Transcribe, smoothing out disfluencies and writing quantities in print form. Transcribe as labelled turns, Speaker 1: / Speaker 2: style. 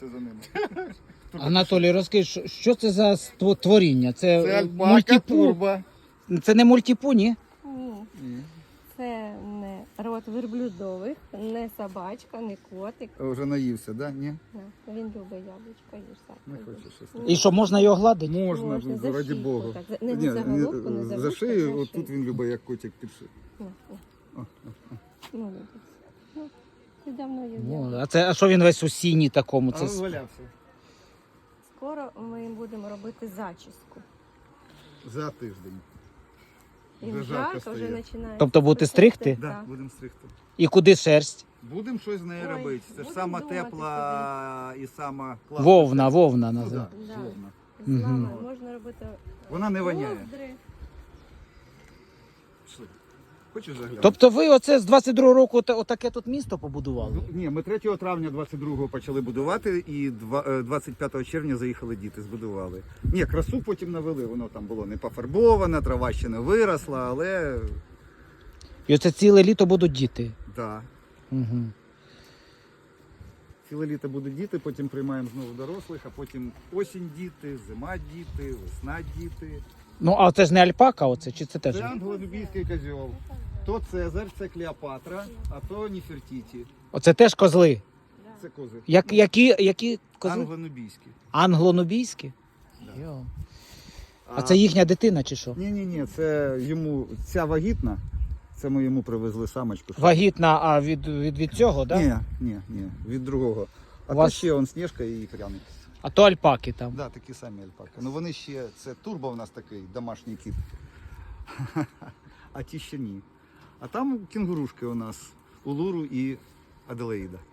Speaker 1: за ними.
Speaker 2: Анатолій, розкажи, що це за творіння?
Speaker 1: Це альпака, турба.
Speaker 2: Це не мультипу, ні?
Speaker 3: Ні. Це не род верблюдових, не собачка, не котик.
Speaker 1: Вже наївся, да? Ні?
Speaker 3: Він любить яблучко, їж сам.
Speaker 1: Не хоче щось.
Speaker 2: І що, можна його гладити?
Speaker 1: Можна,
Speaker 3: за
Speaker 1: раді
Speaker 3: шийку,
Speaker 1: Бога.
Speaker 3: так. Не за головку, не за
Speaker 1: за
Speaker 3: вушко,
Speaker 1: шию,
Speaker 3: за
Speaker 1: от
Speaker 3: шию.
Speaker 1: тут він любить, як котик під шию.
Speaker 3: Ну, ти давно їв
Speaker 2: О,
Speaker 3: яблуко.
Speaker 2: а що він весь у сіні такому?
Speaker 1: А
Speaker 2: Це...
Speaker 1: він валявся.
Speaker 3: Скоро ми будемо робити зачіску.
Speaker 1: За тиждень.
Speaker 3: Їм
Speaker 1: Вже жарко
Speaker 3: жарко, вже
Speaker 1: стає.
Speaker 3: починає.
Speaker 2: Тобто будете стригти?
Speaker 1: Да,
Speaker 3: Так.
Speaker 1: будемо стригти.
Speaker 2: І куди шерсть?
Speaker 1: Будемо щось з нею
Speaker 3: Ой,
Speaker 1: робити. Це ж
Speaker 3: будемо
Speaker 1: сама
Speaker 3: думати
Speaker 1: тепла і сама класна.
Speaker 2: Вовна
Speaker 1: Ну,
Speaker 2: називається.
Speaker 1: да,
Speaker 3: Да.
Speaker 1: вовна.
Speaker 3: З лами можна робити
Speaker 1: Вона не воняє.
Speaker 3: ковдри.
Speaker 1: Пішли. Хочеш заглянути?
Speaker 2: Тобто ви оце з 22-го року отаке тут місто побудували?
Speaker 1: Ні, ми 3 травня 22-го почали будувати і 25 червня заїхали діти, збудували. Ні, красу потім навели, воно там було не пофарбоване, трава ще не виросла, але
Speaker 2: І оце ціле літо будуть діти?
Speaker 1: да.
Speaker 2: Угу.
Speaker 1: Ціле літо будуть діти, потім приймаємо знову дорослих, а потім осінь діти, зима діти, весна діти.
Speaker 2: Ну, а це ж не альпака оце, чи це теж?
Speaker 1: Це англо-нубійський козьол. То Цезарь, це Клеопатра, а то Ніфертіті.
Speaker 2: Оце теж козли?
Speaker 1: Це кози.
Speaker 2: Які козли?
Speaker 1: Англо-нубійські.
Speaker 2: Англо-нубійські?
Speaker 1: Да.
Speaker 2: Йо. А це їхня дитина чи що?
Speaker 1: Ні, це йому, ця вагітна, це ми йому привезли самочку.
Speaker 2: Вагітна, а від цього, так? Да?
Speaker 1: Ні, від другого. А
Speaker 2: У
Speaker 1: то
Speaker 2: вас-
Speaker 1: ще он Снежка і пряник.
Speaker 2: А то альпаки там.
Speaker 1: Да, такі самі альпаки. Ну вони ще, це турбо у нас такий, домашній кіт. А ті ще ні. А там кінгурушки у нас, Улуру і Аделаїда.